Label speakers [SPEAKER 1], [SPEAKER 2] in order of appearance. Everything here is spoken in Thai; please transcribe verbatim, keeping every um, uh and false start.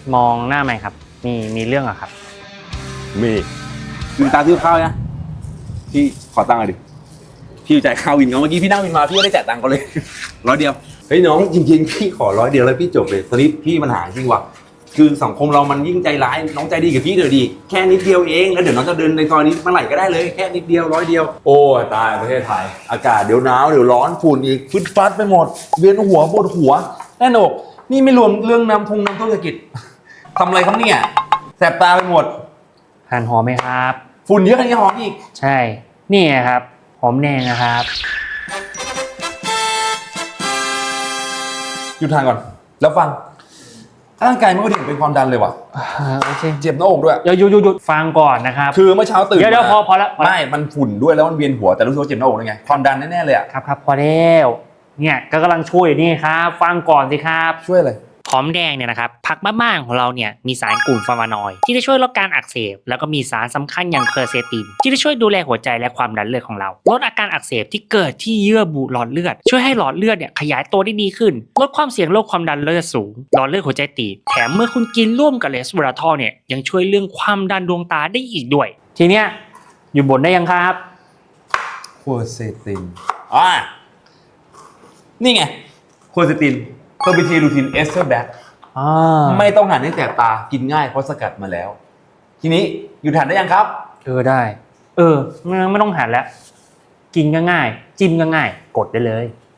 [SPEAKER 1] มองหน้าไหมครับมีมีเรื่องอะครับ
[SPEAKER 2] มีลืมตาซื้อข้าวนะพี่ขอตังค์หน่อยดิพี่จ่ายข้าววินเขาเมื่อกี้พี่นั่งวินมาพี่ก็ได้จ่ายตังค์เขาเลยร้อยเดียวเฮ้ยน้องจริงๆพี่ขอร้อยเดียวแล้วพี่จบเลยตอนนี้พี่ปัญหาจริงว่ะคือสังคมเรามันยิ่งใจร้ายน้องใจดีกับพี่เดี๋ยวดีแค่นิดเดียวเองแล้วเดี๋ยวน้องจะเดินในซอยนี้เมื่อไหร่ก็ได้เลยแค่นิดเดียวร้อยเดียวโอ้ตายประเทศไทยอากาศเดี๋ยวหนาวเดี๋ยวร้อนฝุ่นอีกฟึดฟัดไปหมดเวียนหัวปวดหัวแน่นอกนี่ไม่รวมเรื่องน้ำทงน้ำท่วมเศรษฐกิจทำอะไรครับเนี่ยแสบตาไปหมด
[SPEAKER 1] หั่นหอมไหมครับ
[SPEAKER 2] ฝุ่นเยอะขนาดนี้หอมอีก
[SPEAKER 1] ใช่นี่ครับหอมแดงนะครับ
[SPEAKER 2] หยุดทางก่อนแล้วฟังร่างกายไม่ค่อยดีเป็นความดันเลยว่ะ
[SPEAKER 1] โอเค
[SPEAKER 2] เจ็บหน้าอกด้วย
[SPEAKER 1] เดี๋ยวหยุดหยุดหยุดฟังก่อนนะครับ
[SPEAKER 2] คือเมื่อเช้าตื่น
[SPEAKER 1] เดี๋ยวเดี๋ยวพอพอแล้ว
[SPEAKER 2] ไม่มันฝุ่นด้วยแล้วมันเวียนหัวแต่รู้สึกว่าเจ็บหน้าอกด้วยไงความดันแน่ๆเลยอ่ะ
[SPEAKER 1] ครับครับพอแล้วเนี่ยก็กำลังช่วยอยู่นี่ครับฟังก่อนสิครับ
[SPEAKER 2] ช่วยเลย
[SPEAKER 1] หอมแดงเนี่ยนะครับผักบ้านๆของเราเนี่ยมีสารกลุ่มฟลาโวนอยด์ที่จะช่วยลดการอักเสบแล้วก็มีสารสำคัญอย่างเคอร์เซตินที่จะช่วยดูแลหัวใจและความดันเลือดของเราลดอาการอักเสบที่เกิดที่เยื่อบุหลอดเลือดช่วยให้หลอดเลือดเนี่ยขยายตัวได้ดีขึ้นลดความเสี่ยงโรคความดันเลือดสูงหลอดเลือดหัวใจตีบแถมเมื่อคุณกินร่วมกับเลสเวอราทอลเนี่ยยังช่วยเรื่องความดันดวงตาได้อีกด้วยทีเนี้ยอยู่บนได้ยังครับ
[SPEAKER 2] เคอร์เซตินอ่านี่ไงเคอร์เซตินเคอร์บิเทลูทินเอสเตอร์แบคไม่ต้องหั่นให้แสบตากินง่ายเพราะสกัดมาแล้วทีนี้อยู่หั่นได้ยังครับ
[SPEAKER 1] เออได้เออไม่ต้องหั่นแล้วกินก็ง่ายจิ้มก็ง่ายกดได้เลย